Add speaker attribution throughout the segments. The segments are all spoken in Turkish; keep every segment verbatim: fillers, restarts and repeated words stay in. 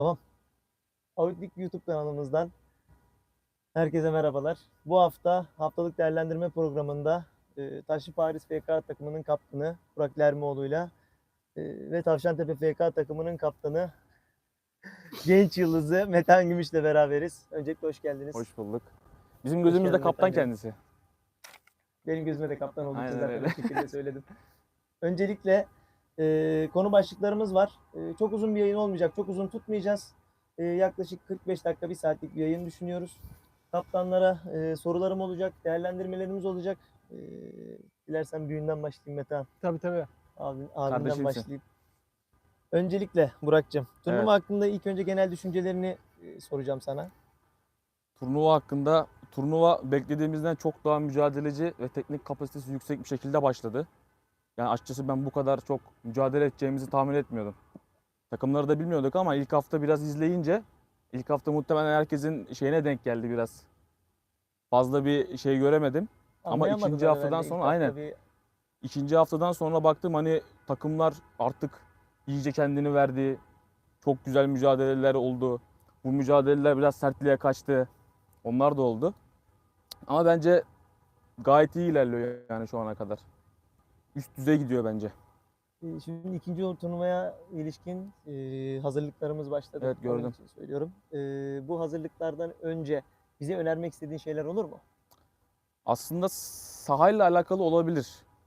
Speaker 1: Tamam. Outlook YouTube kanalımızdan herkese merhabalar. Bu hafta haftalık değerlendirme programında e, Taşlı Paris F K takımının kaptanı Burak Lermoğlu'yla e, ve Tavşantepe F K takımının kaptanı genç yıldızı Metehan Gümüş'le beraberiz. Öncelikle hoş geldiniz.
Speaker 2: Hoş bulduk. Bizim
Speaker 1: Hoş
Speaker 2: gözümüzde
Speaker 1: geldin
Speaker 2: kaptan
Speaker 1: Metehan'cığım.
Speaker 2: kendisi.
Speaker 1: Benim gözüme de kaptan olduğu için
Speaker 2: Aynen
Speaker 1: zaten
Speaker 2: öyle.
Speaker 1: o şekilde söyledim. Öncelikle e, konu başlıklarımız var. E, çok uzun bir yayın olmayacak. Çok uzun tutmayacağız. E, yaklaşık kırk beş dakika, bir saatlik bir yayın düşünüyoruz. Kaptanlara e, sorularım olacak, değerlendirmelerimiz olacak. E, dilersen büyüğünden başlayayım Metehan.
Speaker 3: Tabii tabii.
Speaker 1: Abi, abimden
Speaker 2: Kardeşimsin.
Speaker 1: başlayayım. Öncelikle Burak'cığım, turnuva
Speaker 2: Evet.
Speaker 1: hakkında ilk önce genel düşüncelerini e, soracağım sana.
Speaker 2: Turnuva hakkında, turnuva beklediğimizden çok daha mücadeleci ve teknik kapasitesi yüksek bir şekilde başladı. Yani açıkçası ben bu kadar çok mücadele edeceğimizi tahmin etmiyordum. Takımları da bilmiyorduk ama ilk hafta biraz izleyince, ilk hafta muhtemelen herkesin şeyine denk geldi biraz. Fazla bir şey göremedim. Ama
Speaker 1: Anlayamadılar
Speaker 2: ikinci haftadan
Speaker 1: herhalde ilk
Speaker 2: sonra
Speaker 1: hafta
Speaker 2: aynen.
Speaker 1: bir-
Speaker 2: İkinci haftadan sonra baktım hani takımlar artık iyice kendini verdi. Çok güzel mücadeleler oldu. Bu mücadeleler biraz sertliğe kaçtı. Onlar da oldu. Ama bence gayet iyi ilerliyor yani şu ana kadar. Üst düzey gidiyor bence.
Speaker 1: E, Şimdi ikinci turnuvaya ilişkin e, hazırlıklarımız başladı.
Speaker 2: Evet,
Speaker 1: Onun
Speaker 2: gördüm.
Speaker 1: için söylüyorum. E, bu hazırlıklardan önce bize önermek istediğin şeyler olur mu?
Speaker 2: Aslında sahayla alakalı olabilir.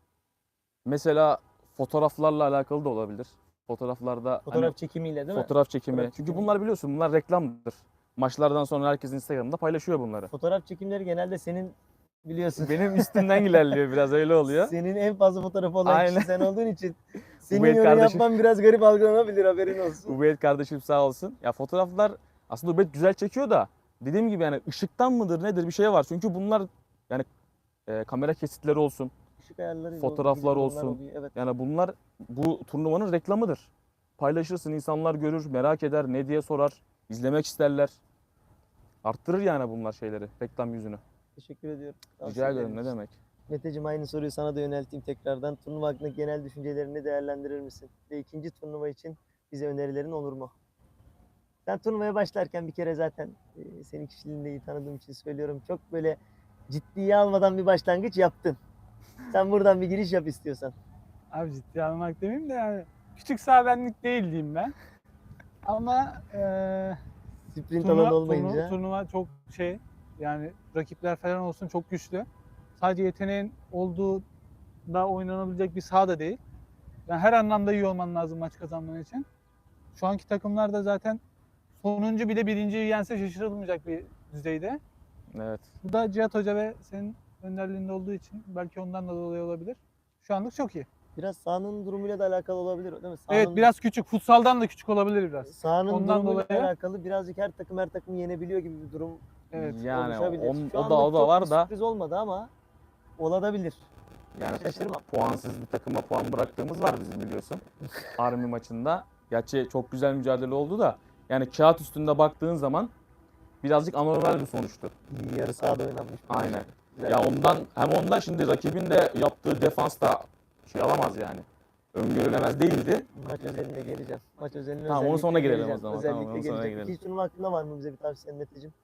Speaker 2: Mesela fotoğraflarla alakalı da olabilir. Fotoğraflarda
Speaker 1: Fotoğraf
Speaker 2: hani
Speaker 1: çekimiyle değil mi?
Speaker 2: fotoğraf çekimi.
Speaker 1: Fotoğraf
Speaker 2: Çünkü
Speaker 1: çekimi.
Speaker 2: bunlar biliyorsun bunlar reklamdır. Maçlardan sonra herkes Instagram'da paylaşıyor bunları.
Speaker 1: Fotoğraf çekimleri genelde senin biliyorsun.
Speaker 2: Benim üstümden ilerliyor biraz öyle oluyor.
Speaker 1: Senin en fazla fotoğrafı olan
Speaker 2: Aynen.
Speaker 1: kişi sen olduğun için senin
Speaker 2: Ubeyt
Speaker 1: yorum
Speaker 2: kardeşim.
Speaker 1: yapman biraz garip algılanabilir, haberin olsun.
Speaker 2: Ubeyt kardeşim sağ olsun. Ya fotoğraflar aslında Ubeyt güzel çekiyor da dediğim gibi yani ışıktan mıdır nedir bir şey var. Çünkü bunlar yani e, kamera kesitleri olsun.
Speaker 1: Işık ayarları,
Speaker 2: Fotoğraflar
Speaker 1: onlar
Speaker 2: olsun.
Speaker 1: oluyor, evet.
Speaker 2: Yani bunlar bu turnuvanın reklamıdır. Paylaşırsın, insanlar görür, merak eder, ne diye sorar, izlemek isterler. Arttırır yani bunlar şeyleri, reklam yüzünü.
Speaker 1: Teşekkür ediyorum.
Speaker 2: Rica ederim,
Speaker 1: Tavsiyelerin
Speaker 2: ne
Speaker 1: için.
Speaker 2: demek.
Speaker 1: Meteciğim, aynı soruyu sana da yönelteyim tekrardan. Turnuva hakkındaki genel düşüncelerini değerlendirir misin? Ve ikinci turnuva için bize önerilerin olur mu? Ben turnuvaya başlarken bir kere zaten e, senin kişiliğini de iyi tanıdığım için söylüyorum. Çok böyle ciddiye almadan bir başlangıç yaptın. Sen buradan bir giriş yap istiyorsan.
Speaker 3: Abi ciddiye almak demeyeyim de yani küçük saha benlik değil diyeyim ben. Ama eee
Speaker 1: Sprint
Speaker 3: turnuva,
Speaker 1: alanı
Speaker 3: turnuva,
Speaker 1: olmayınca.
Speaker 3: turnuva çok şey yani rakipler falan olsun çok güçlü. Sadece yeteneğin olduğu da oynanabilecek bir saha da değil. Yani her anlamda iyi olman lazım maç kazanman için. Şu anki takımlar da zaten sonuncu bile birinciyi yense şaşırılmayacak bir düzeyde.
Speaker 2: Evet.
Speaker 3: Bu da Cihat Hoca ve senin önderliğinde olduğu için belki ondan da dolayı olabilir. Şu anlık çok iyi.
Speaker 1: Biraz sahanın durumuyla da alakalı olabilir, değil mi?
Speaker 3: Evet
Speaker 1: Sahanın,
Speaker 3: biraz küçük. Futsaldan da küçük olabilir biraz.
Speaker 1: sahanın
Speaker 3: ondan
Speaker 1: durumuyla
Speaker 3: dolayı-
Speaker 1: alakalı birazcık her takım her takım yenebiliyor gibi bir durum
Speaker 3: Evet.
Speaker 2: Yani
Speaker 1: oluşabilir.
Speaker 2: on-
Speaker 1: Şu
Speaker 2: o da
Speaker 1: anlık
Speaker 2: o da
Speaker 1: çok
Speaker 2: var
Speaker 1: bir
Speaker 2: da
Speaker 1: sürpriz olmadı ama olabilir.
Speaker 2: yani
Speaker 1: Şaşırmam.
Speaker 2: puansız bir takıma puan bıraktığımız var bizim biliyorsun. Army maçında. Gerçi çok güzel mücadele oldu da yani kağıt üstünde baktığın zaman birazcık anormal bir sonuçtu.
Speaker 1: Yarı sahada oynanmış.
Speaker 2: Aynen.
Speaker 1: Güzel.
Speaker 2: Ya ondan hem ondan şimdi rakibin de yaptığı defans da şey alamaz yani. Öngörülemez değildi.
Speaker 1: Maç özeline geleceğim. Maç özeline
Speaker 2: Tamam, onu
Speaker 1: özellikle
Speaker 2: sonra girelim
Speaker 1: geleceğim.
Speaker 2: o zaman.
Speaker 1: Özellikle
Speaker 2: Tamam, onu sonra
Speaker 1: geleceğim.
Speaker 2: girelim.
Speaker 1: İkinci turnuva hakkında var mı bize bir tavsiyen Meteciğim?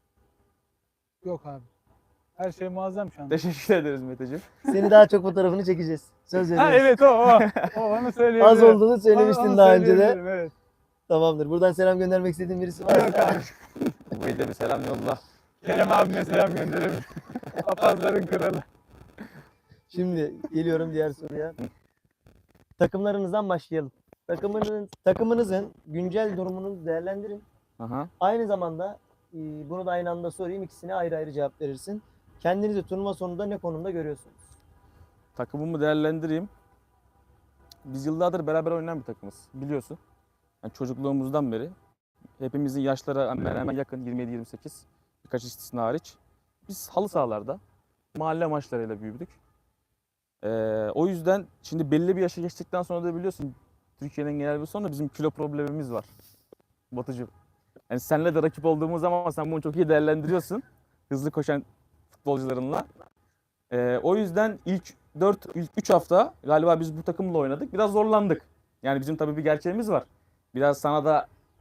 Speaker 3: Yok abi. Her şey muazzam şu an.
Speaker 2: Teşekkür ederiz Meteciğim.
Speaker 1: Seni daha çok fotoğrafını çekeceğiz. Söz veriyoruz.
Speaker 3: Ha evet o o. O onu söyleyebilirim.
Speaker 1: Az olduğunu söylemiştin
Speaker 3: Onu- onu
Speaker 1: daha önce de.
Speaker 3: söyleyebilirim, Evet.
Speaker 1: Tamamdır. Buradan selam göndermek istediğin birisi var mı?
Speaker 2: Buraya da bir selam yolla.
Speaker 3: Kerem abime selam gönderelim. Papazların kralı.
Speaker 1: Şimdi geliyorum diğer soruya. Takımlarınızdan başlayalım. Takımınızın, takımınızın güncel durumunu değerlendirin.
Speaker 2: Aha.
Speaker 1: Aynı zamanda e, bunu da aynı anda sorayım. İkisine ayrı ayrı cevap verirsin. Kendinizi turnuva sonunda ne konumda görüyorsunuz?
Speaker 2: Takımımı değerlendireyim. Biz yıllardır beraber oynayan bir takımız biliyorsun. Yani çocukluğumuzdan beri. Hepimizin yaşları hemen hemen yakın yirmi yedi yirmi sekiz. Birkaç istisna hariç. Biz halı sahalarda mahalle maçlarıyla büyüdük. Ee, o yüzden şimdi belli bir yaşa geçtikten sonra da biliyorsun Türkiye'nin genel bir sorunu bizim kilo problemimiz var. Batıcığım. Yani seninle de rakip olduğumuz zaman sen bunu çok iyi değerlendiriyorsun. Hızlı koşan futbolcularınla. Ee, o yüzden ilk dört, ilk üç hafta galiba biz bu takımla oynadık. Biraz zorlandık. Yani bizim tabii bir gerçeğimiz var. Biraz sana da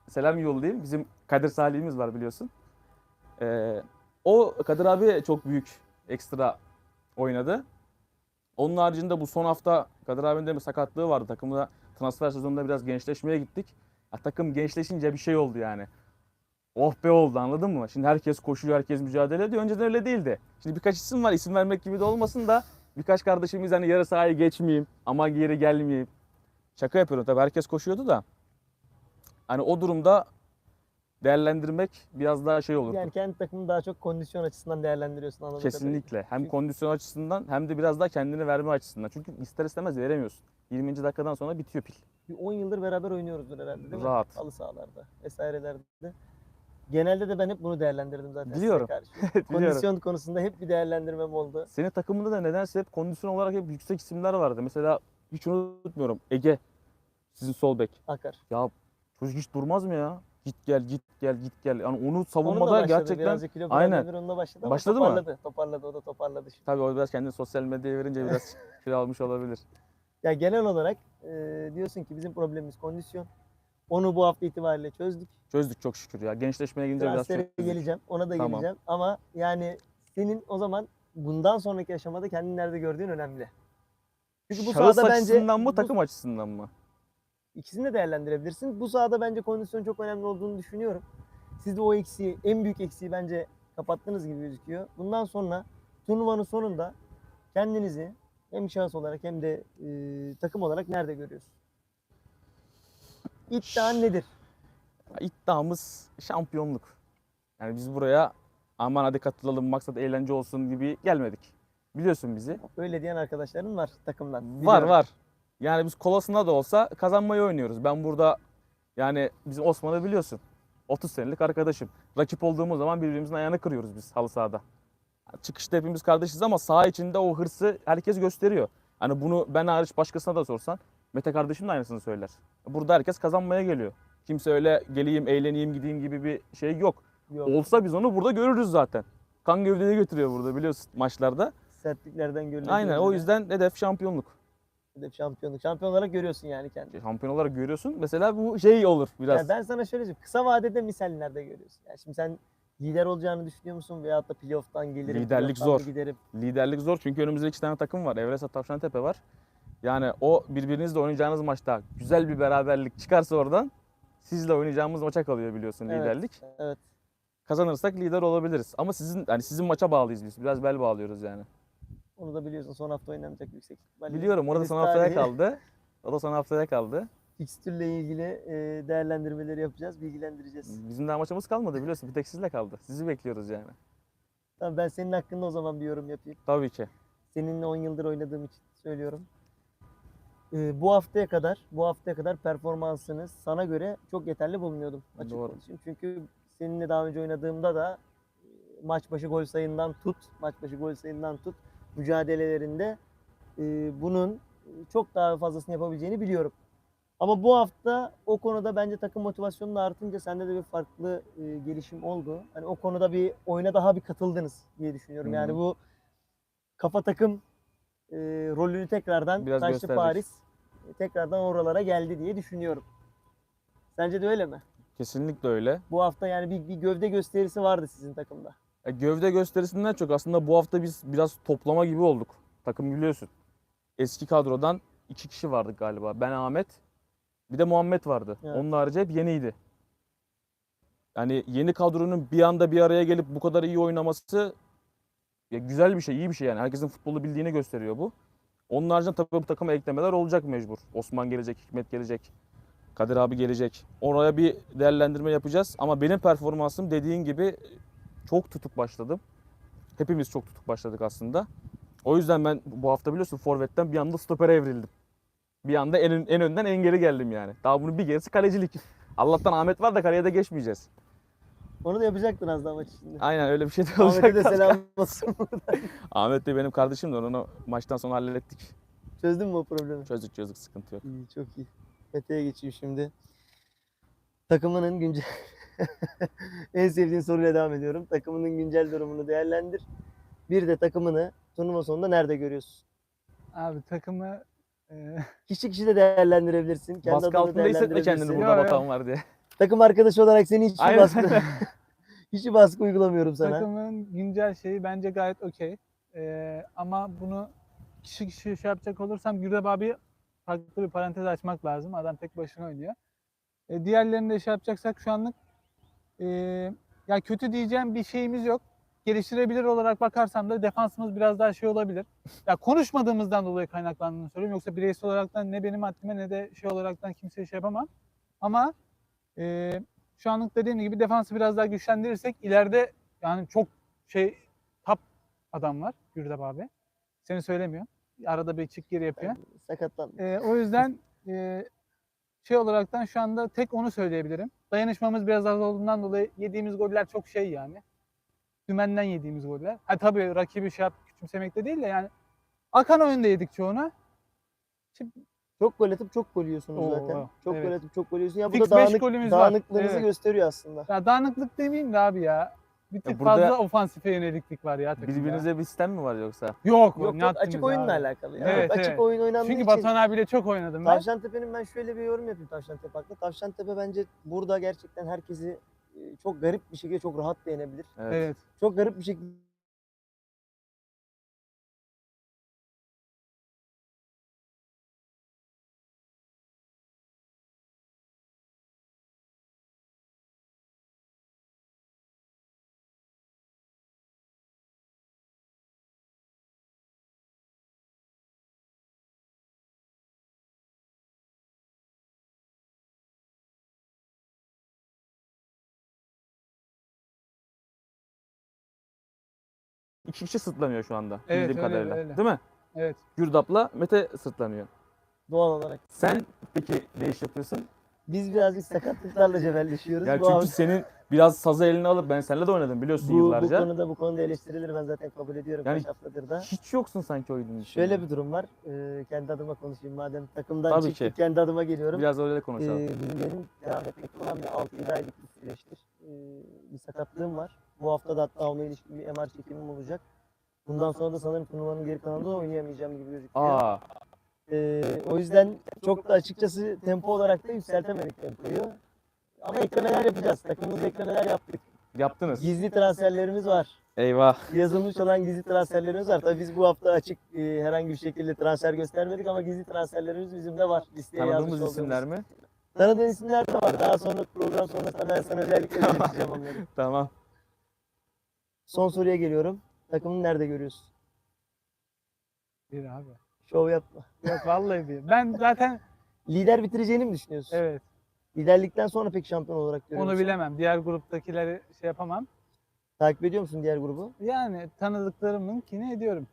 Speaker 2: selam yollayayım. Bizim Kadir Salih'imiz var biliyorsun. Ee, o Kadir abi çok büyük ekstra oynadı. Onun haricinde bu son hafta Kadir abinin de bir sakatlığı vardı. Takımda transfer sezonunda biraz gençleşmeye gittik. Ya, takım gençleşince bir şey oldu yani. Oh be oldu, anladın mı? Şimdi herkes koşuyor, herkes mücadele ediyor. Önceden öyle değildi. Şimdi birkaç isim var, isim vermek gibi de olmasın da birkaç kardeşimiz hani yarı sahaya geçmeyeyim, aman geri gelmeyeyim. Şaka yapıyorum tabii, herkes koşuyordu da. Hani o durumda değerlendirmek biraz daha şey olurdu.
Speaker 1: Yani kendi takımını daha çok kondisyon açısından değerlendiriyorsun anladığım kadarıyla.
Speaker 2: Kesinlikle. Hem
Speaker 1: Çünkü-
Speaker 2: kondisyon açısından hem de biraz daha kendini verme açısından. Çünkü ister istemez veremiyorsun. yirminci dakikadan sonra bitiyor pil.
Speaker 1: Bir on yıldır beraber oynuyoruzdur herhalde değil mi?
Speaker 2: Rahat.
Speaker 1: Halı sahalarda vesairelerde. Genelde de ben hep bunu değerlendirdim zaten
Speaker 2: Biliyorum.
Speaker 1: size karşı.
Speaker 2: Biliyorum.
Speaker 1: Kondisyon konusunda hep bir değerlendirmem oldu.
Speaker 2: Senin takımında da nedense hep kondisyon olarak hep yüksek isimler vardı. Mesela hiç unutmuyorum, Ege, sizin sol bek.
Speaker 1: Akar.
Speaker 2: Ya çocuk hiç durmaz mı ya? Git gel git gel git gel. Yani onu
Speaker 1: Onunla
Speaker 2: savunmada
Speaker 1: başladı.
Speaker 2: gerçekten
Speaker 1: Birazcık kilo
Speaker 2: aynen.
Speaker 1: problemleri onunla başladı ama
Speaker 2: Başladı mı?
Speaker 1: toparladı. Toparladı. O da toparladı şimdi.
Speaker 2: tabii o biraz kendini sosyal medyaya verince biraz kilo almış olabilir.
Speaker 1: Ya genel olarak e, diyorsun ki bizim problemimiz kondisyon. Onu bu hafta itibariyle çözdük.
Speaker 2: Çözdük çok şükür ya. Gençleşmeye gelince biraz
Speaker 1: Transfere
Speaker 2: çözdük.
Speaker 1: geleceğim. Ona da
Speaker 2: Tamam.
Speaker 1: geleceğim. Ama yani senin o zaman bundan sonraki aşamada kendini nerede gördüğün önemli. Çünkü bu
Speaker 2: Şahıs
Speaker 1: sahada bence
Speaker 2: açısından mı
Speaker 1: bu-
Speaker 2: takım açısından mı?
Speaker 1: İkisini de değerlendirebilirsin. Bu sahada bence kondisyon çok önemli olduğunu düşünüyorum. Siz de o eksiği, en büyük eksiği bence kapattığınız gibi gözüküyor. Bundan sonra turnuvanın sonunda kendinizi hem şahıs olarak hem de e, takım olarak nerede görüyorsun? İddian nedir?
Speaker 2: İddiamız şampiyonluk. Yani biz buraya aman hadi katılalım maksat eğlence olsun gibi gelmedik. Biliyorsun bizi.
Speaker 1: Öyle diyen arkadaşların var takımdan.
Speaker 2: Var
Speaker 1: Biliyorum.
Speaker 2: var. Yani biz kolasında da olsa kazanmayı oynuyoruz. Ben burada yani bizim Osman'ı biliyorsun. otuz senelik arkadaşım. Rakip olduğumuz zaman birbirimizin ayağını kırıyoruz biz halı sahada. Çıkışta hepimiz kardeşiz ama saha içinde o hırsı herkes gösteriyor. Hani bunu ben hariç başkasına da sorsan Mete kardeşim de aynısını söyler. Burada herkes kazanmaya geliyor. Kimse öyle geleyim, eğleneyim, gideyim gibi bir şey yok.
Speaker 1: Yok.
Speaker 2: Olsa biz onu burada görürüz zaten. Kan gövdeyi götürüyor burada biliyorsun maçlarda.
Speaker 1: Sertliklerden görülüyor.
Speaker 2: Aynen, o yüzden hedef şampiyonluk.
Speaker 1: Hedef şampiyonluk. Şampiyon olarak görüyorsun yani kendini.
Speaker 2: Şampiyon olarak görüyorsun. Mesela bu şey olur biraz.
Speaker 1: Ya ben sana şöyle söyleyeyim. Kısa vadede misal nerede görüyorsun? Yani şimdi sen lider olacağını düşünüyor musun? Veyahut da playoff'tan gelirim.
Speaker 2: Liderlik
Speaker 1: playoff'tan
Speaker 2: zor.
Speaker 1: mı giderim.
Speaker 2: Liderlik zor çünkü önümüzde iki tane takım var. Evresat Tavşantepe var. Yani o birbirinizle oynayacağınız maçta güzel bir beraberlik çıkarsa oradan sizle oynayacağımız maça kalıyor biliyorsun
Speaker 1: Evet.
Speaker 2: liderlik.
Speaker 1: Evet.
Speaker 2: Kazanırsak lider olabiliriz. Ama sizin hani sizin maça bağlıyız biz. Biraz bel bağlıyoruz yani.
Speaker 1: Onu da biliyorsun. Son hafta oynanacak yüksek ihtimalle.
Speaker 2: Biliyorum, orada
Speaker 1: Henüz
Speaker 2: son haftaya
Speaker 1: tarihi
Speaker 2: kaldı. O da son haftaya kaldı.
Speaker 1: Fikstürle ilgili e, değerlendirmeleri yapacağız, bilgilendireceğiz.
Speaker 2: Bizim daha maçımız kalmadı biliyorsun. Bir tek sizle kaldı. Sizi bekliyoruz yani.
Speaker 1: Tamam, ben senin hakkında o zaman bir yorum yapayım.
Speaker 2: Tabii ki.
Speaker 1: Seninle on yıldır oynadığım için söylüyorum. E, bu haftaya kadar, bu haftaya kadar performansınız sana göre çok yeterli bulmuyordum açık
Speaker 2: Doğru.
Speaker 1: konuşayım. Çünkü seninle daha önce oynadığımda da e, maç başı gol sayından tut, maç başı gol sayından tut mücadelelerinde e, bunun çok daha fazlasını yapabileceğini biliyorum. Ama bu hafta o konuda bence takım motivasyonu da artınca sende de bir farklı e, gelişim oldu. Hani o konuda bir oyuna daha bir katıldınız diye düşünüyorum.
Speaker 2: Hı hı.
Speaker 1: Yani bu kafa takım e, rolünü tekrardan
Speaker 2: Biraz
Speaker 1: Taşlı
Speaker 2: gösterdik.
Speaker 1: Paris e, tekrardan oralara geldi diye düşünüyorum. Sence de öyle mi?
Speaker 2: Kesinlikle öyle.
Speaker 1: Bu hafta yani bir, bir gövde gösterisi vardı sizin takımda.
Speaker 2: E, gövde gösterisinden çok aslında bu hafta biz biraz toplama gibi olduk. Takım biliyorsun. Eski kadrodan iki kişi vardık galiba. Ben, Ahmet, bir de Muhammed vardı.
Speaker 1: Evet.
Speaker 2: Onun harici hep yeniydi. Yani yeni kadronun bir anda bir araya gelip bu kadar iyi oynaması ya güzel bir şey, iyi bir şey yani. Herkesin futbolu bildiğini gösteriyor bu. Onun haricinde tabii bu takıma eklemeler olacak mecbur. Osman gelecek, Hikmet gelecek, Kadir abi gelecek. Oraya bir değerlendirme yapacağız. Ama benim performansım dediğin gibi çok tutuk başladım. Hepimiz çok tutuk başladık aslında. O yüzden ben bu hafta biliyorsun forvetten bir anda stopere evrildim. Bir anda en, ön- en önden en geri geldim yani. Daha bunun bir gerisi kalecilik. Allah'tan Ahmet var da kaleye de geçmeyeceğiz.
Speaker 1: Onu da yapacaktın az daha maç içinde.
Speaker 2: Aynen öyle bir şey de
Speaker 1: Ahmet'e de
Speaker 2: olacak.
Speaker 1: selam olsun.
Speaker 2: Ahmet de benim kardeşim de onu maçtan sonra hallettik.
Speaker 1: Çözdün mü o problemi?
Speaker 2: Çözdük çözdük, sıkıntı yok.
Speaker 1: İyi, çok iyi. Mete'ye geçeyim şimdi. Takımının güncel... en sevdiğin soruyla devam ediyorum. Takımının güncel durumunu değerlendir. Bir de takımını turnuva sonunda nerede görüyorsun?
Speaker 3: Abi takımı e,
Speaker 1: Kişi kişi de değerlendirebilirsin. Kendi
Speaker 2: Baskı
Speaker 1: adını
Speaker 2: altında hissetme kendini
Speaker 1: değerlendirebilirsin.
Speaker 2: burada
Speaker 3: Yok, yok.
Speaker 2: batan var diye.
Speaker 1: Takım arkadaşı olarak seni hiç
Speaker 2: Aynen.
Speaker 1: baskı hiç baskı uygulamıyorum sana.
Speaker 3: Takımın güncel şeyi bence gayet okey. Ee, ama bunu kişi kişi şey yapacak olursam Gürdap abi farklı bir parantez açmak lazım. Adam tek başına oynuyor. Ee, diğerlerini de şey yapacaksak şu anlık ee, ya kötü diyeceğim bir şeyimiz yok. Geliştirebilir olarak bakarsam da defansımız biraz daha şey olabilir. Ya konuşmadığımızdan dolayı kaynaklandığını söylüyorum. Yoksa bireysel olaraktan ne benim haddime ne de şey olaraktan kimseye şey yapamam. Ama ee, şu anlık dediğim gibi defansı biraz daha güçlendirirsek ileride yani çok şey top adam var Gürdap abi. Seni söylemiyor. Arada bir çık geri yapıyor.
Speaker 1: Sakatlan.
Speaker 3: Ee, o yüzden e, şey olaraktan şu anda tek onu söyleyebilirim. Dayanışmamız biraz az olduğundan dolayı yediğimiz goller çok şey yani. Dümenden yediğimiz goller. Ha tabii rakibi şey yap, küçümsemek de değil de yani akan oyunda yedik çoğunu. Şimdi
Speaker 1: Çok gol atıp çok gol yiyorsunuz
Speaker 3: Oo,
Speaker 1: zaten. Çok
Speaker 3: evet.
Speaker 1: gol atıp çok gol yiyorsun. Ya bu
Speaker 3: Fix
Speaker 1: da
Speaker 3: beş
Speaker 1: dağınık,
Speaker 3: golümüz var.
Speaker 1: dağınıklığınızı
Speaker 3: Evet.
Speaker 1: gösteriyor aslında.
Speaker 3: Ya dağınıklık demeyeyim de abi ya. Bir tık
Speaker 2: burada
Speaker 3: fazla ofansife yöneliklik var ya takımda.
Speaker 2: Birbirinize bir sistem mi var yoksa?
Speaker 3: Yok,
Speaker 1: Yok
Speaker 3: ne
Speaker 1: yok
Speaker 3: haddimiz
Speaker 1: açık oyunla
Speaker 3: abi.
Speaker 1: alakalı. Ya.
Speaker 3: Evet,
Speaker 1: açık
Speaker 3: evet.
Speaker 1: oyun oynandığı
Speaker 3: Çünkü
Speaker 1: için.
Speaker 3: Batuhan abiyle çok oynadım ben.
Speaker 1: Tavşantepe'nin ben şöyle bir yorum yapayım Tavşantepe hakkında. Tavşantepe bence burada gerçekten herkesi e, çok garip bir şekilde çok rahat beğenebilir.
Speaker 2: Evet.
Speaker 3: Evet.
Speaker 1: Çok garip bir şekilde
Speaker 2: İki kişi sırtlanıyor şu anda
Speaker 3: Evet,
Speaker 2: bildiğim
Speaker 3: öyle,
Speaker 2: kadarıyla.
Speaker 3: öyle.
Speaker 2: Değil mi?
Speaker 3: Evet.
Speaker 2: Gürdap'la Mete sırtlanıyor.
Speaker 1: doğal olarak.
Speaker 2: Sen peki ne iş yapıyorsun?
Speaker 1: Biz birazcık sakatlıklarla cebelleşiyoruz.
Speaker 2: Yani
Speaker 1: bu,
Speaker 2: çünkü
Speaker 1: hafta-
Speaker 2: senin biraz sazı eline alıp ben seninle de oynadım biliyorsun
Speaker 1: bu, bu
Speaker 2: yıllarca.
Speaker 1: konuda bu konuda eleştirilir ben zaten kabul ediyorum
Speaker 2: Yani
Speaker 1: kaç haftadır da.
Speaker 2: Hiç yoksun sanki oyunun içinde.
Speaker 1: Şöyle bir durum var. Ee, kendi adıma konuşayım madem takımdan
Speaker 2: Tabii
Speaker 1: çıktık
Speaker 2: ki.
Speaker 1: kendi adıma geliyorum.
Speaker 2: Biraz öyle de
Speaker 1: Ee,
Speaker 2: konuşalım.
Speaker 1: benim devam etmekte olan bir altı yedi aylık bir süreçtir. Ee, bir sakatlığım var. Bu hafta da hatta onunla ilişkin bir M R çekimim olacak. Bundan sonra da sanırım turnuvanın geri kalanında da oynayamayacağım gibi gözüküyor.
Speaker 2: Aa,
Speaker 1: Ee, o yüzden çok da açıkçası tempo olarak da yükseltemedik tempoyu. Ama eklemeler yapacağız. Takımımızda eklemeler yaptık.
Speaker 2: yaptınız.
Speaker 1: Gizli transferlerimiz var.
Speaker 2: Eyvah.
Speaker 1: Yazılmış olan gizli transferlerimiz var. Tabii biz bu hafta açık e, herhangi bir şekilde transfer göstermedik ama gizli transferlerimiz bizim de var. Listeye yazmış
Speaker 2: Tanıdığımız
Speaker 1: olduğumuz.
Speaker 2: isimler mi?
Speaker 1: Tanıdığın isimler de var. Daha sonra program sonrasında ben sana özellikle söyleyeceğim onları.
Speaker 2: Tamam.
Speaker 1: Son soruya geliyorum. Takımını nerede görüyorsun?
Speaker 3: Bir abi.
Speaker 1: Şov yapma.
Speaker 3: Yok vallahi bir. Ben zaten
Speaker 1: Lider bitireceğini mi düşünüyorsun?
Speaker 3: evet
Speaker 1: Liderlikten sonra peki şampiyon olarak görüyor
Speaker 3: onu
Speaker 1: musun?
Speaker 3: bilemem. Diğer gruptakileri şey yapamam.
Speaker 1: Takip ediyor musun diğer grubu?
Speaker 3: Yani tanıdıklarımınkini ediyorum.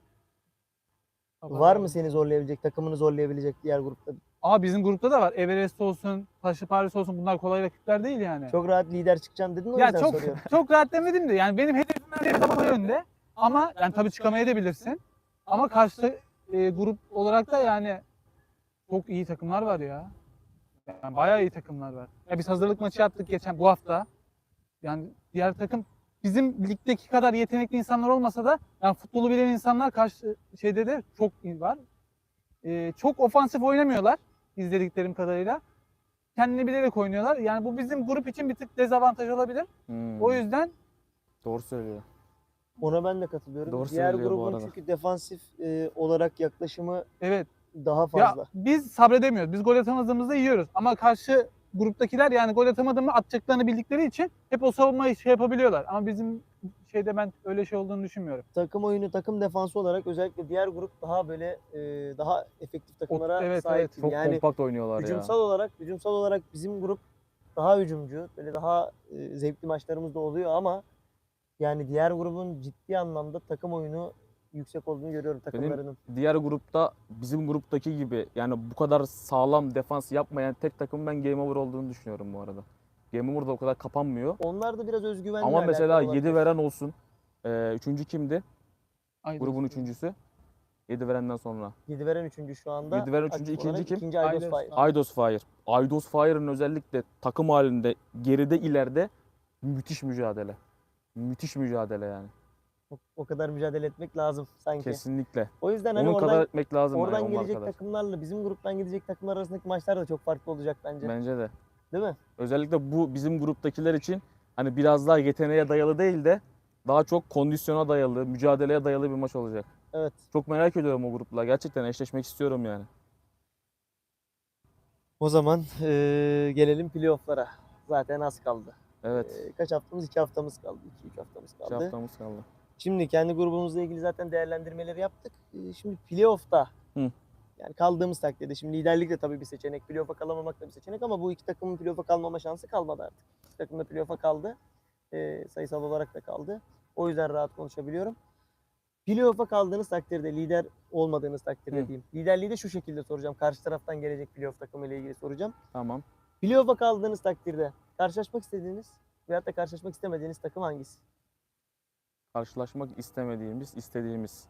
Speaker 1: Var mı seni zorlayabilecek, takımını zorlayabilecek diğer grupta?
Speaker 3: Aa bizim grupta da var. Everest olsun, Taşı Paris olsun bunlar kolay rakipler değil yani.
Speaker 1: Çok rahat lider çıkacaksın dedin o
Speaker 3: ya
Speaker 1: yüzden
Speaker 3: çok
Speaker 1: soruyorum.
Speaker 3: çok rahat demedim de yani benim hedefim her zaman yönde. Ama yani tabii çıkamayabilirsin. Ama karşı e, grup olarak da yani çok iyi takımlar var ya. Yani bayağı iyi takımlar var. Ya biz hazırlık maçı yaptık geçen bu hafta. Yani diğer takım bizim ligdeki kadar yetenekli insanlar olmasa da yani futbolu bilen insanlar karşı şeyde de çok iyi var. Ee, çok ofansif oynamıyorlar izlediklerim kadarıyla. Kendini bilerek oynuyorlar. Yani bu bizim grup için bir tık dezavantaj olabilir.
Speaker 2: Hmm,
Speaker 3: O yüzden
Speaker 2: Doğru söylüyor.
Speaker 1: Ona ben de katılıyorum.
Speaker 2: Doğru
Speaker 1: diğer
Speaker 2: söylüyor bu
Speaker 1: grubun
Speaker 2: arada.
Speaker 1: çünkü defansif e, olarak yaklaşımı
Speaker 3: evet
Speaker 1: daha fazla.
Speaker 3: ya biz sabredemiyoruz. Biz gol atamadığımızda yiyoruz. Ama karşı gruptakiler yani gol atamadığımı atacaklarını bildikleri için hep o savunmayı şey yapabiliyorlar. Ama bizim şeyde ben öyle şey olduğunu düşünmüyorum.
Speaker 1: Takım oyunu, takım defansı olarak özellikle diğer grup daha böyle e, daha efektif takımlara
Speaker 3: evet,
Speaker 1: sahip.
Speaker 3: evet.
Speaker 1: gibi.
Speaker 2: Çok
Speaker 1: Yani
Speaker 2: kompakt oynuyorlar
Speaker 1: hücumsal
Speaker 2: ya.
Speaker 1: olarak, hücumsal olarak bizim grup daha hücumcu, böyle daha e, zevkli maçlarımız da oluyor ama yani diğer grubun ciddi anlamda takım oyunu yüksek olduğunu görüyorum takımlarının.
Speaker 2: Diğer grupta bizim gruptaki gibi yani bu kadar sağlam defans yapmayan tek takım ben Game Over olduğunu düşünüyorum bu arada. Game Over'da o kadar kapanmıyor.
Speaker 1: Onlar da biraz özgüvenle
Speaker 2: Ama mesela
Speaker 1: alakalı
Speaker 2: yedi
Speaker 1: olabilir.
Speaker 2: veren olsun. Ee, üçüncü kimdi?
Speaker 3: Aynen.
Speaker 2: Grubun üçüncüsü. yedi verenden sonra.
Speaker 1: yedi veren üçüncü şu anda.
Speaker 2: yedi veren üçüncü,
Speaker 1: Aktif
Speaker 2: ikinci
Speaker 1: olarak
Speaker 2: kim?
Speaker 1: İkinci Aydos
Speaker 3: Aydos.
Speaker 1: Fire.
Speaker 2: Aydos Fire. Aydos Fire'ın özellikle takım halinde geride ileride müthiş mücadele. Müthiş mücadele yani.
Speaker 1: O, o kadar mücadele etmek lazım sanki.
Speaker 2: Kesinlikle.
Speaker 1: O yüzden hani
Speaker 2: Onun
Speaker 1: oradan,
Speaker 2: kadar etmek lazım. yani,
Speaker 1: oradan
Speaker 2: onlar
Speaker 1: gelecek
Speaker 2: kadar.
Speaker 1: takımlarla bizim gruptan gidecek takımlar arasındaki maçlar da çok farklı olacak bence.
Speaker 2: Bence de.
Speaker 1: Değil mi?
Speaker 2: Özellikle bu bizim gruptakiler için hani biraz daha yeteneğe dayalı değil de daha çok kondisyona dayalı, mücadeleye dayalı bir maç olacak.
Speaker 1: Evet.
Speaker 2: Çok merak ediyorum o grupla. Gerçekten eşleşmek istiyorum yani.
Speaker 1: O zaman eee, gelelim playoff'lara. Zaten az kaldı.
Speaker 2: Evet.
Speaker 1: Eee, kaç haftamız? iki haftamız kaldı. iki üç haftamız
Speaker 2: iki
Speaker 1: kaldı.
Speaker 2: haftamız kaldı.
Speaker 1: Şimdi kendi grubumuzla ilgili zaten değerlendirmeleri yaptık. Ee, Şimdi playoff'ta
Speaker 2: Hı.
Speaker 1: yani kaldığımız takdirde şimdi liderlik de tabii bir seçenek, playoff'a kalamamak da bir seçenek ama bu iki takımın playoff'a kalmama şansı kalmadı artık. İki takım da playoff'a kaldı. Ee, sayısal olarak da kaldı. O yüzden rahat konuşabiliyorum. Playoff'a kaldığınız takdirde, lider olmadığınız takdirde
Speaker 2: Hı.
Speaker 1: diyeyim. Liderliği de şu şekilde soracağım. Karşı taraftan gelecek playoff takımıyla ilgili soracağım.
Speaker 2: Tamam.
Speaker 1: Playoff'a kaldığınız takdirde karşılaşmak istediğiniz veyahut da karşılaşmak istemediğiniz takım hangisi?
Speaker 2: Karşılaşmak istemediğimiz, istediğimiz.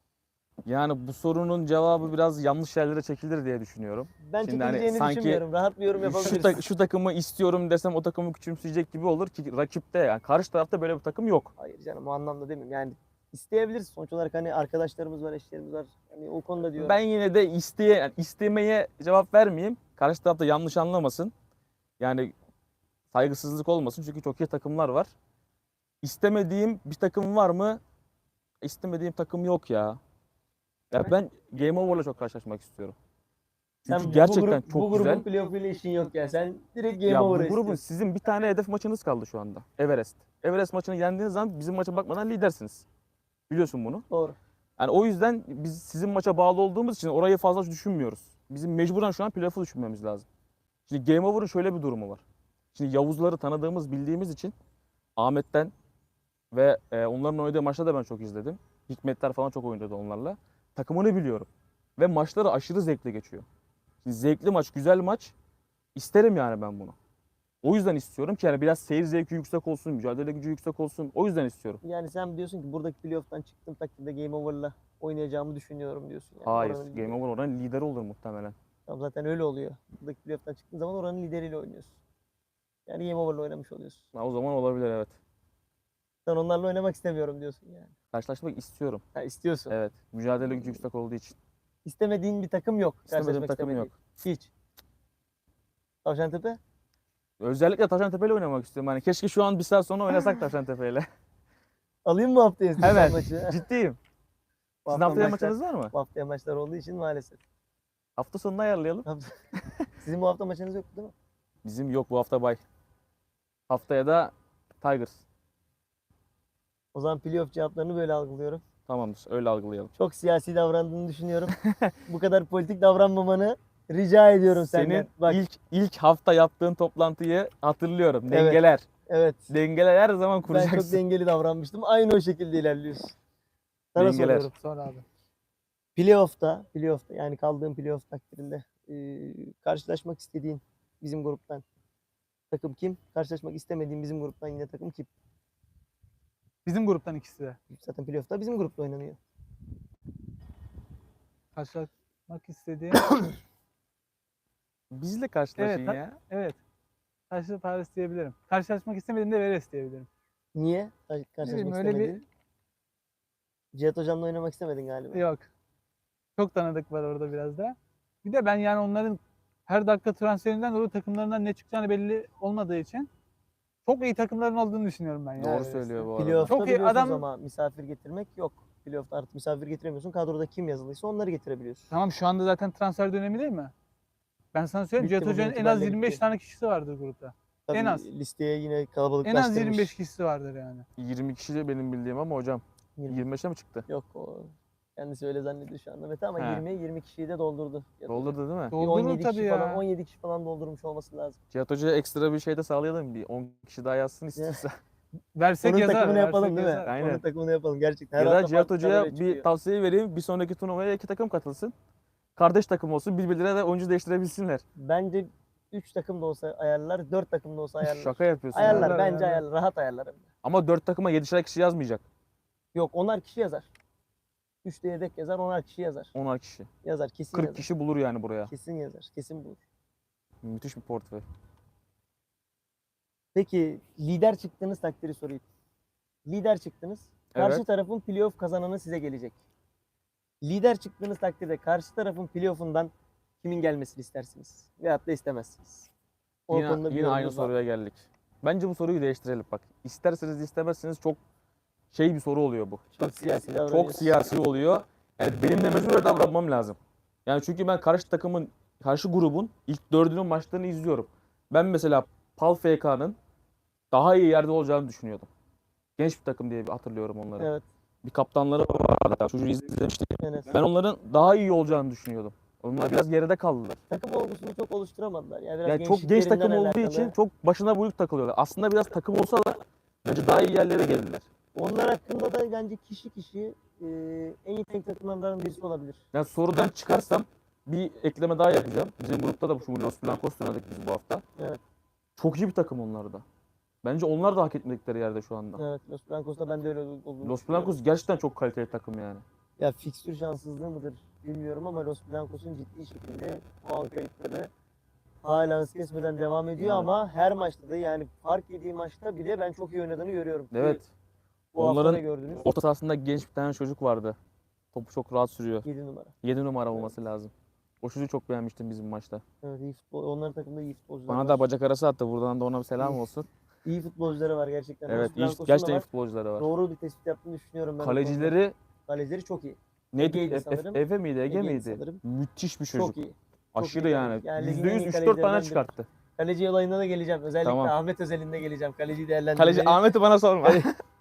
Speaker 2: Yani bu sorunun cevabı biraz yanlış yerlere çekilir diye düşünüyorum.
Speaker 1: Ben
Speaker 2: Şimdi hani
Speaker 1: çekileceğini
Speaker 2: sanki
Speaker 1: düşünmüyorum. Rahat bir yorum
Speaker 2: Şu,
Speaker 1: yapabiliriz.
Speaker 2: ta- şu takımı istiyorum desem o takımı küçümseyecek gibi olur ki rakipte yani karşı tarafta böyle bir takım yok.
Speaker 1: Hayır canım o anlamda demiyorum. Yani isteyebiliriz. Sonuç olarak hani arkadaşlarımız var, eşlerimiz var. Hani o konuda diyorum.
Speaker 2: Ben yine de isteye yani istemeye cevap vermeyeyim. Karşı tarafta yanlış anlamasın. Yani saygısızlık olmasın çünkü çok iyi takımlar var. İstemediğim bir takım var mı? İstemediğim takım yok ya. Ya ben Game Over'la çok karşılaşmak istiyorum. Çünkü
Speaker 1: Sen
Speaker 2: gerçekten
Speaker 1: bu grup,
Speaker 2: çok
Speaker 1: bu
Speaker 2: güzel.
Speaker 1: grubun playoff ile işin yok ya. Sen direkt Game
Speaker 2: Ya bu
Speaker 1: Over'ı
Speaker 2: grubun
Speaker 1: istiyorsun.
Speaker 2: sizin bir tane hedef maçınız kaldı şu anda. Everest. Everest maçını yendiğiniz zaman bizim maça bakmadan lidersiniz. Biliyorsun bunu.
Speaker 1: Doğru.
Speaker 2: Yani o yüzden biz sizin maça bağlı olduğumuz için orayı fazla düşünmüyoruz. Bizim mecburen şu an playoff'u düşünmemiz lazım. Şimdi Game Over'ın şöyle bir durumu var. Şimdi Yavuzları tanıdığımız, bildiğimiz için Ahmet'ten ve e, onların oynadığı maçta da ben çok izledim. Hikmetler falan çok oynadı onlarla. Takımını biliyorum. Ve maçları aşırı zevkli geçiyor. Şimdi zevkli maç, güzel maç isterim yani ben bunu. O yüzden istiyorum ki yani biraz seyir zevki yüksek olsun, mücadele gücü yüksek olsun. O yüzden istiyorum.
Speaker 1: Yani sen diyorsun ki buradaki playoff'tan çıktığım takdirde Game Over'la oynayacağımı düşünüyorum diyorsun. Yani.
Speaker 2: Hayır,
Speaker 1: Oranın
Speaker 2: Game
Speaker 1: lideri.
Speaker 2: Over oranın lideri olur muhtemelen.
Speaker 1: Tamam, zaten öyle oluyor. Buradaki playoff'tan çıktığın zaman oranın lideriyle oynuyorsun. Yani Game Over'la oynamış oluyorsun.
Speaker 2: Ha, o zaman olabilir evet.
Speaker 1: Sen onlarla oynamak istemiyorum diyorsun yani.
Speaker 2: Karşılaşmak istiyorum.
Speaker 1: Ha, istiyorsun.
Speaker 2: Evet, mücadele gücü yüksek olduğu için.
Speaker 1: İstemediğin bir takım yok.
Speaker 2: İstemediğim
Speaker 1: Karşılaşmak
Speaker 2: takım
Speaker 1: istemediğin.
Speaker 2: yok.
Speaker 1: Hiç. Tavşantepe?
Speaker 2: Özellikle Taşantepe'yle oynamak istiyorum. Hani keşke şu an bir saat sonra oynasak Taşantepe'yle.
Speaker 1: Alayım mı haftaya sizin
Speaker 2: Evet.
Speaker 1: maçı?
Speaker 2: Ciddiyim.
Speaker 1: Bu
Speaker 2: Sizin
Speaker 1: hafta
Speaker 2: haftaya
Speaker 1: maçlar-
Speaker 2: maçınız var mı?
Speaker 1: Bu haftaya maçlar olduğu için maalesef.
Speaker 2: Hafta sonunu ayarlayalım.
Speaker 1: Sizin bu hafta maçınız yok değil mi?
Speaker 2: Bizim yok bu hafta bay. Haftaya da Tigers.
Speaker 1: O zaman playoff cevaplarını böyle algılıyorum.
Speaker 2: Tamamdır, öyle algılayalım.
Speaker 1: Çok siyasi davrandığını düşünüyorum. Bu kadar politik davranmamanı rica ediyorum senden.
Speaker 2: Senin
Speaker 1: Bak,
Speaker 2: ilk ilk hafta yaptığın toplantıyı hatırlıyorum.
Speaker 1: Evet.
Speaker 2: Dengeler.
Speaker 1: evet.
Speaker 2: Dengeler her zaman
Speaker 1: Ben
Speaker 2: kuracaksın.
Speaker 1: çok dengeli davranmıştım. Aynı o şekilde ilerliyorsun. Sana
Speaker 2: Dengeler.
Speaker 1: soruyorum.
Speaker 3: Sonra abi.
Speaker 1: Playoff'ta, playoff'ta yani kaldığın playoff takdirinde e, karşılaşmak istediğin bizim gruptan takım kim? Karşılaşmak istemediğin bizim gruptan yine takım kim?
Speaker 3: Bizim gruptan ikisi de.
Speaker 1: Zaten playoff'ta bizim grupta oynanıyor.
Speaker 3: Karşılaşmak istediğim.
Speaker 2: Bizle karşılaşın
Speaker 3: Evet, ha-
Speaker 2: ya.
Speaker 3: evet. Karşı Paris diyebilirim. Karşılaşmak istemediğim de Veres diyebilirim.
Speaker 1: Niye? Kar- Karşılaşmak
Speaker 3: bileyim, öyle bir-
Speaker 1: istemedin. Cihat Hocam'la oynamak istemedin galiba.
Speaker 3: Yok. Çok tanıdık var orada biraz da. Bir de ben yani onların her dakika transferinden dolayı takımlarından ne çıkacağını belli olmadığı için çok iyi takımların olduğunu düşünüyorum ben ya.
Speaker 2: Doğru
Speaker 3: Everest'te.
Speaker 2: söylüyor bu arada.
Speaker 1: Playoff'ta
Speaker 3: Çok iyi
Speaker 1: biliyorsunuz
Speaker 3: adam-
Speaker 1: ama misafir getirmek yok. Playoff'ta artık misafir getiremiyorsun. Kadroda kim yazılıysa onları getirebiliyorsun.
Speaker 3: Tamam şu anda zaten transfer dönemi değil mi? Ben sana söyleyeyim
Speaker 1: Bitti,
Speaker 3: Cihat
Speaker 1: bugün
Speaker 3: Hoca'nın en az
Speaker 1: itibariyle
Speaker 3: yirmi beş
Speaker 1: bitti.
Speaker 3: tane kişisi vardır grupta.
Speaker 1: Tabii
Speaker 3: En az.
Speaker 1: listeye yine kalabalık
Speaker 3: En az yirmi beş kişisi vardır yani.
Speaker 2: yirmi kişi de benim bildiğim ama hocam
Speaker 1: yirmi.
Speaker 2: yirmi beşe mi çıktı?
Speaker 1: Yok o kendisi öyle zannediyor şu anda Mete ama
Speaker 2: He.
Speaker 1: yirmi yirmi kişiyi de doldurdu. Ya da
Speaker 2: Doldurdu değil mi?
Speaker 1: bir
Speaker 3: Doldurur
Speaker 1: on yedi
Speaker 3: tabii
Speaker 1: kişi
Speaker 3: ya.
Speaker 1: falan on yedi kişi falan doldurmuş olması lazım.
Speaker 2: Cihat Hoca'ya ekstra bir şey de sağlayalım. Bir on kişi daha yazsın istiyorsa.
Speaker 3: Versek
Speaker 1: Onun
Speaker 3: yazar.
Speaker 1: takımını
Speaker 3: versek
Speaker 1: yapalım değil mi?
Speaker 3: yazar.
Speaker 2: Aynen.
Speaker 1: Onun takımını yapalım gerçekten. Her
Speaker 2: ya da
Speaker 1: hafta
Speaker 2: Cihat
Speaker 1: farklı
Speaker 2: Hoca'ya
Speaker 1: kadroya
Speaker 2: bir
Speaker 1: çıkıyor.
Speaker 2: tavsiye vereyim. Bir sonraki turnuvaya iki takım katılsın. Kardeş takım olsun. Birbirlerine de oyuncu değiştirebilsinler.
Speaker 1: Bence üç takım da olsa ayarlar, dört takım da olsa ayarlar.
Speaker 2: Şaka yapıyorsun. ya.
Speaker 1: Ayarlar
Speaker 3: Ayarlar,
Speaker 1: bence
Speaker 3: ayarlar.
Speaker 1: ayarlar. Rahat ayarlar hem de.
Speaker 2: Ama dört takıma yedişer kişi yazmayacak.
Speaker 1: Yok onar kişi yazar. üçte yedek yazar, onar kişi yazar.
Speaker 2: onar kişi.
Speaker 1: Yazar kesin
Speaker 2: kırk
Speaker 1: yazar.
Speaker 2: kişi bulur yani buraya.
Speaker 1: Kesin yazar. Kesin bulur.
Speaker 2: Müthiş bir portföy.
Speaker 1: Peki lider çıktığınız takdiri sorayım. Lider çıktınız. Karşı
Speaker 2: Evet.
Speaker 1: tarafın playoff kazananı size gelecek. Lider çıktığınız takdirde karşı tarafın playoff'undan kimin gelmesini istersiniz? Veyahut da istemezsiniz. O
Speaker 2: Yine,
Speaker 1: konuda bir
Speaker 2: yine aynı
Speaker 1: yorumunuz var.
Speaker 2: soruya geldik. Bence bu soruyu değiştirelim bak. İsterseniz istemezseniz çok şey bir soru oluyor bu.
Speaker 1: Çok siyasi
Speaker 2: Çok
Speaker 1: davranıyorsun.
Speaker 2: siyasi oluyor. Yani benim de mecbur davranmam lazım. Yani çünkü ben karşı takımın, karşı grubun ilk dördünün maçlarını izliyorum. Ben mesela Pal F K'nın daha iyi yerde olacağını düşünüyordum. Genç bir takım diye bir hatırlıyorum onları.
Speaker 1: Evet.
Speaker 2: Bir kaptanları vardı. Çocuğu izlemiştik.
Speaker 1: Enes.
Speaker 2: Ben onların daha iyi olacağını düşünüyordum. Onlar biraz geride kaldılar.
Speaker 1: Takım olgusunu çok oluşturamadılar. Yani biraz
Speaker 2: Yani çok genç
Speaker 1: gençliklerinden
Speaker 2: takım olduğu
Speaker 1: alakalı.
Speaker 2: için çok başına buyruk takılıyorlar. Aslında biraz takım olsalar bence daha iyi yerlere geldiler.
Speaker 1: Onlar hakkında da bence kişi kişi e, en iyi tek takımlardan birisi olabilir.
Speaker 2: Yani sorudan çıkarsam bir ekleme daha yapacağım. Bizim grupta da şu Los Blancos oynadık biz bu hafta.
Speaker 1: Evet.
Speaker 2: Çok iyi bir takım onlar da. Bence onlar da hak etmedikleri yerde şu anda.
Speaker 1: Evet. Los Blancos'ta ben de öyle olduğunu
Speaker 2: Los
Speaker 1: düşünüyorum.
Speaker 2: Blancos gerçekten çok kaliteli takım yani.
Speaker 1: Ya fikstür şanssızlığı mıdır bilmiyorum ama Los Blancos'un ciddi şekilde puan kayıpları hala hız kesmeden devam ediyor
Speaker 2: Yani.
Speaker 1: ama her maçta da yani fark yediği maçta bile ben çok iyi oynadığını görüyorum.
Speaker 2: Evet.
Speaker 1: Bu hafta
Speaker 2: Onların
Speaker 1: da gördünüz.
Speaker 2: orta sahasında genç bir tane çocuk vardı. Topu çok rahat sürüyor.
Speaker 1: yedi numara.
Speaker 2: yedi numara olması lazım. O çocuğu çok beğenmiştim bizim maçta.
Speaker 1: Evet, iyi futbol. Onların takımda iyi futbolcular
Speaker 2: Bana
Speaker 1: var.
Speaker 2: da bacak arası attı. Buradan da ona bir selam
Speaker 1: İyi.
Speaker 2: olsun.
Speaker 1: İyi futbolcuları var gerçekten.
Speaker 2: Evet,
Speaker 1: Los
Speaker 2: iyi,
Speaker 1: Blancos'un da
Speaker 2: gerçekten iyi
Speaker 1: var.
Speaker 2: futbolcuları var.
Speaker 1: Doğru bir tespit yaptığını düşünüyorum ben. o konuda.
Speaker 2: Kalecileri
Speaker 1: Kalecileri çok iyi.
Speaker 2: neydi?
Speaker 1: Ege'ydi
Speaker 2: Efe,
Speaker 1: sanırım.
Speaker 2: Efe miydi? Ege
Speaker 1: Ege'ydi
Speaker 2: miydi?
Speaker 1: sanırım.
Speaker 2: Müthiş bir çocuk.
Speaker 1: Çok iyi.
Speaker 2: Aşırı
Speaker 1: iyi
Speaker 2: yani.
Speaker 1: kaleci. Yani ligin
Speaker 2: yüzde
Speaker 1: en
Speaker 2: yüz
Speaker 1: iyi
Speaker 2: üç dört tane
Speaker 1: kalecilerinden
Speaker 2: çıkarttı.
Speaker 1: Kaleci olayına da geleceğim. Özellikle
Speaker 2: Tamam.
Speaker 1: Ahmet özelinde geleceğim. Kaleciyi değerlendirmeyi.
Speaker 2: Kaleci Ahmet'i bana sorma.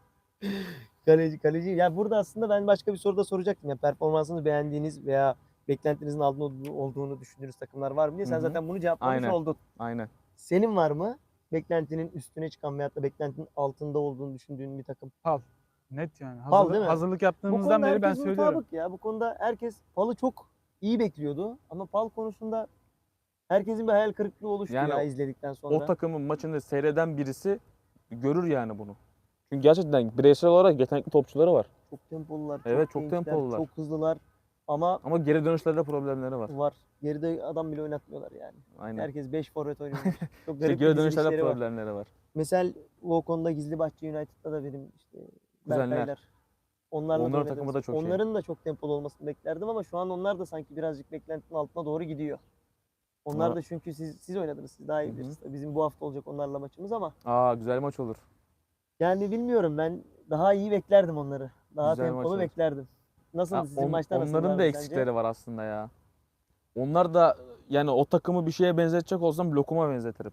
Speaker 1: Kaleci, kaleci. Ya burada aslında ben başka bir soru da soracaktım. Yani performansını beğendiğiniz veya beklentinizin altında olduğu- olduğunu düşündüğünüz takımlar var mı diye. Sen
Speaker 2: Hı hı.
Speaker 1: zaten bunu cevaplamış
Speaker 2: Aynen.
Speaker 1: oldun.
Speaker 2: Aynen.
Speaker 1: Senin var mı? Beklentinin üstüne çıkan veyahut da beklentinin altında olduğunu düşündüğün bir takım.
Speaker 3: Net yani.
Speaker 1: Pal
Speaker 3: Hazırlık,
Speaker 1: değil mi?
Speaker 3: hazırlık
Speaker 1: Bu
Speaker 3: yaptığımızdan
Speaker 1: konuda
Speaker 3: beri ben
Speaker 1: herkes
Speaker 3: söylüyorum.
Speaker 1: mutabık ya. Bu konuda herkes Pal'ı çok iyi bekliyordu. Ama Pal konusunda herkesin bir hayal kırıklığı oluştu
Speaker 2: Yani
Speaker 1: ya izledikten sonra.
Speaker 2: O takımın maçını seyreden birisi görür yani bunu. Çünkü gerçekten bireysel olarak yetenekli topçuları var.
Speaker 1: Çok tempolular.
Speaker 2: Evet, çok
Speaker 1: gençler,
Speaker 2: tempolular.
Speaker 1: Çok hızlılar. Ama
Speaker 2: Ama geri dönüşlerde problemleri var.
Speaker 1: var. Geride adam bile oynatmıyorlar yani.
Speaker 2: Aynen.
Speaker 1: Herkes beş forvet oynuyor. Çok
Speaker 2: İşte
Speaker 1: garip
Speaker 2: geri
Speaker 1: bir
Speaker 2: dönüşlerde
Speaker 1: dizilişleri var.
Speaker 2: problemleri var.
Speaker 1: Mesela o konuda Gizlibahçe United'da da benim işte
Speaker 2: Kuzenler.
Speaker 1: Berkaylar. Onlarla da
Speaker 2: Onların
Speaker 1: oynadığımız-
Speaker 2: takımı da çok iyi.
Speaker 1: Onların da çok tempolu olmasını beklerdim ama şu an onlar da sanki birazcık beklentinin altına doğru gidiyor. Onlar
Speaker 2: Ama-
Speaker 1: da çünkü siz siz oynadınız. Siz daha iyi
Speaker 2: Hı hı.
Speaker 1: bilirsiniz. Bizim bu hafta olacak onlarla maçımız ama
Speaker 2: Aa, güzel maç olur.
Speaker 1: yani bilmiyorum, ben daha iyi beklerdim onları. Daha
Speaker 2: Güzel maç
Speaker 1: tempolu
Speaker 2: olur.
Speaker 1: beklerdim. Nasıl
Speaker 2: Ha,
Speaker 1: sizin
Speaker 2: on-
Speaker 1: maçta
Speaker 2: onların da
Speaker 1: nasıllardı
Speaker 2: eksikleri
Speaker 1: sence?
Speaker 2: var aslında ya. Onlar da yani o takımı bir şeye benzetecek olsam lokuma benzetirim.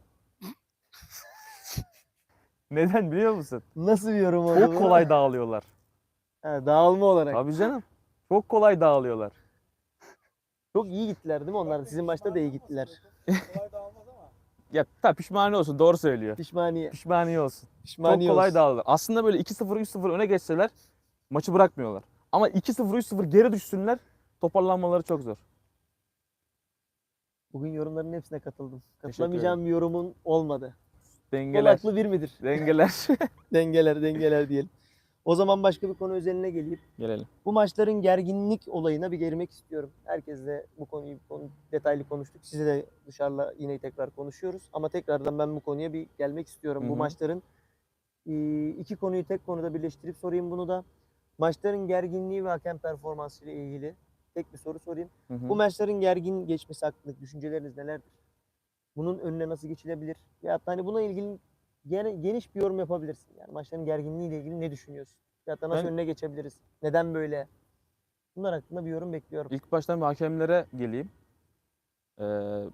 Speaker 2: Neden biliyor musun?
Speaker 1: Nasıl bir yorum oldu
Speaker 2: Çok
Speaker 1: bu?
Speaker 2: kolay dağılıyorlar.
Speaker 1: Ha, dağılma olarak.
Speaker 2: Tabii canım. Çok kolay dağılıyorlar.
Speaker 1: Çok iyi gittiler değil mi onlar? da? Sizin maçta da iyi gittiler.
Speaker 2: Ya tabii pişmaniye olsun, doğru söylüyor.
Speaker 1: Pişmaniye.
Speaker 2: Pişmaniye olsun.
Speaker 1: Pişmaniye
Speaker 2: Çok kolay
Speaker 1: olsun.
Speaker 2: dağılır. Aslında böyle iki sıfır üç sıfır öne geçseler maçı bırakmıyorlar. Ama iki sıfır üç sıfır geri düşsünler, toparlanmaları çok zor.
Speaker 1: Bugün yorumların hepsine katıldım.
Speaker 2: ederim.
Speaker 1: Katılamayacağım bir yorumun olmadı. Kol
Speaker 2: Dengeler.
Speaker 1: haklı bir midir?
Speaker 2: Dengeler.
Speaker 1: Dengeler, dengeler diyelim. O zaman başka bir konu özeline geleyim.
Speaker 2: Gelelim.
Speaker 1: Bu maçların gerginlik olayına bir girmek istiyorum. Herkesle bu konuyu konu, detaylı konuştuk. Size de dışarıda yine tekrar konuşuyoruz. Ama tekrardan ben bu konuya bir gelmek istiyorum.
Speaker 2: Hı
Speaker 1: Bu
Speaker 2: hı.
Speaker 1: maçların e, iki konuyu tek konuda birleştirip sorayım bunu da. Maçların gerginliği ve hakem performansı ile ilgili tek bir soru sorayım.
Speaker 2: Hı hı.
Speaker 1: Bu maçların gergin geçmesi hakkındaki düşünceleriniz nelerdir? Bunun önüne nasıl geçilebilir? Ya hani buna ilgili gene- geniş bir yorum yapabilirsin. Yani maçların gerginliği ile ilgili ne düşünüyorsun? Ya da nasıl
Speaker 2: Ben-
Speaker 1: önüne geçebiliriz? Neden böyle? Bunlar hakkında bir yorum bekliyorum.
Speaker 2: İlk baştan bir hakemlere geleyim. Ee,